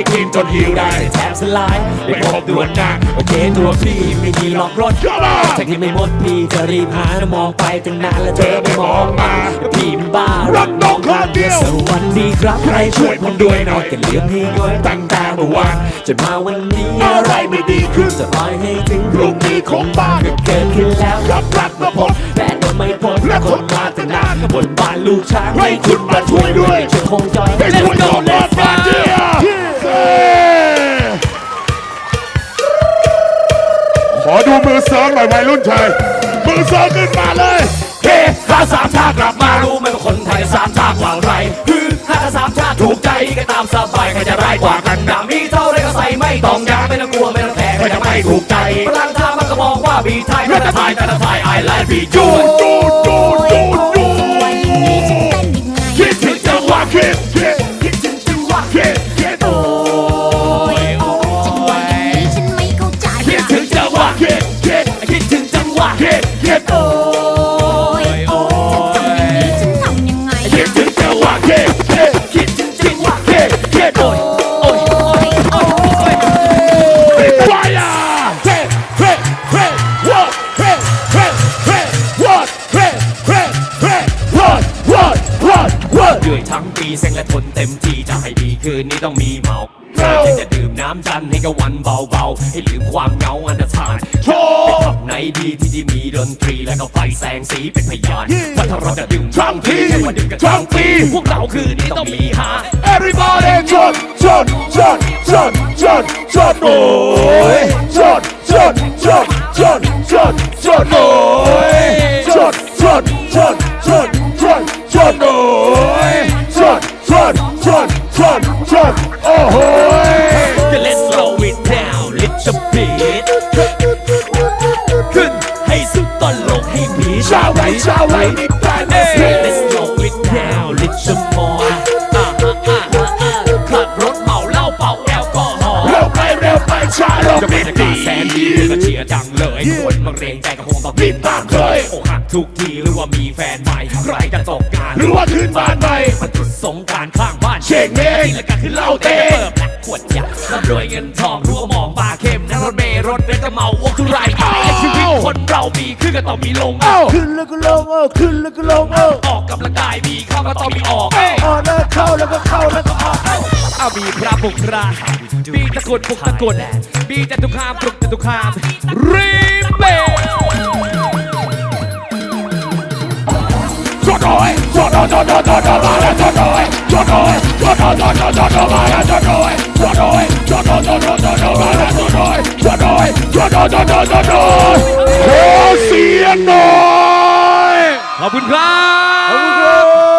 กินจนหิวได้แถมสลายไม่พบดวนหน้าโอเคตัวพี่ไม่มีล็อกรถ Come on จากที่ไม่หมดพี่จะรีบหานะมองไปตั้งนานแล้วเธอไม่มองมาพี่มันบ้ารักน้องคนเดียวสวัสดีครับใครช่วยผมด้วยหน่อยกันเลี้ยงให้ย้อยตั้งแต่เมื่อวานจนมาวันนี้อะไรไม่ดีขึ้นจะปล่อยให้ถึงพรุ่งนี้คงบ้าก็เกิดขึ้นแล้วรับรักมาพบแต่ก็ไม่พบและคนมาตั้งนานบนบ้านลูกช้างให้คุณมาช่วยด้วยจะคงจอย Let's go, let's go, yeah. ขอดูมือเสริมหน่อยวัยรุ่นชายมือเสริมขึ้นมาเลยเฮ้ข้าสามชาติกลับมารู้ไหมว่าคนไทยสามชาติกว่าใครคือถ้าสามชาติถูกใจก็ตามสบายใครจะร้ายกว่ากันดามีเท่าไรก็ใส่ไม่ต้องยางไม่ต้องกลัวไม่ต้องแพ้ใครจะไม่ถูกใจพลังท่ามันก็มองว่าบีไทยแต่ละไทยแต่ละไทย I like บีจูนคิดถึงจังหวะคิดถึงจังหวะคิดโอ้ยโอ้ยฉันไม่เข้าใจคิดถึงจังหวะคิดถึงจังหวะคิดโอ้ยโอ้ยฉันทำยังไงคิดถึงจังหวะคิดถึงจังหวะคิดโอ้ยโอ้ยโอ้ยโอ้ยไฟอ่ะเฮ้เฮ้เฮ้whatเฮ้เฮ้เฮ้ what เฮ้เฮ้เฮ้ what เหนื่อยทั้งปีเซ็งและทนเต็มที่จะให้ดีคืนนี้ต้องมีเมาจะดื่มน้ำจันให้กับวันเบาๆให้ลืมความเหงาอันตรธานโชว์ไปทับไหนดีที่มีดนตรีและก็ไฟแสงสีเป็นพยานว่าถ้าเราจะดื่มทั้งทีไม่ว่าดื่มกันทั้งปีพวกเราคืนนี้ต้องมีหา Everybody จดโอ้ยจดโอ้ยจดโอ้ยจดโอ้โห Let's slow it down little bit ขึ้นให้สุดตอนลงให้ผีชาวไร่นี่แปลน Let's slow it down little more ขับรถเมาเหล้าเป่าแอลกอฮอล์เร็วไปช้าลงจะไม่เป็นดีกาแสนดีก็เชียร์จังเลยคนบางเรงใจก็คงต้องรีบตามเคยอกหักทุกทีหรือว่ามีแฟนใหม่ใครจะตกงานหรือว่าขึ้นบ้านใหม่มันจุดสงกรารข้างบ้านเชงเม้งกินแล้วก็ขึ้นเหล้าเต้เปิดแบกขวดยาร่ำรวยเงินทองรู้ว่ามองบาเข้มนั่งรถเมล์รถเบนซ์ก็เมาวงทุไรไอ้ชีวิตคนเรามีขึ้นก็ต้องมีลงขึ้นแล้วก็ลงขึ้นแล้วก็ลงออกกำลังกายมีเข้าก็ต้องมีออกออกแล้วเข้าแล้วก็เข้าแล้วก็ออกเอามีพระบุกรามีตะกุดปุกตะกุดมีจตุคามปลุกจตุคามรีเบลจดโอ้ยมาแล้วจดโอ้ยขอเสียงหน่อยขอบคุณครับขอบคุณครับ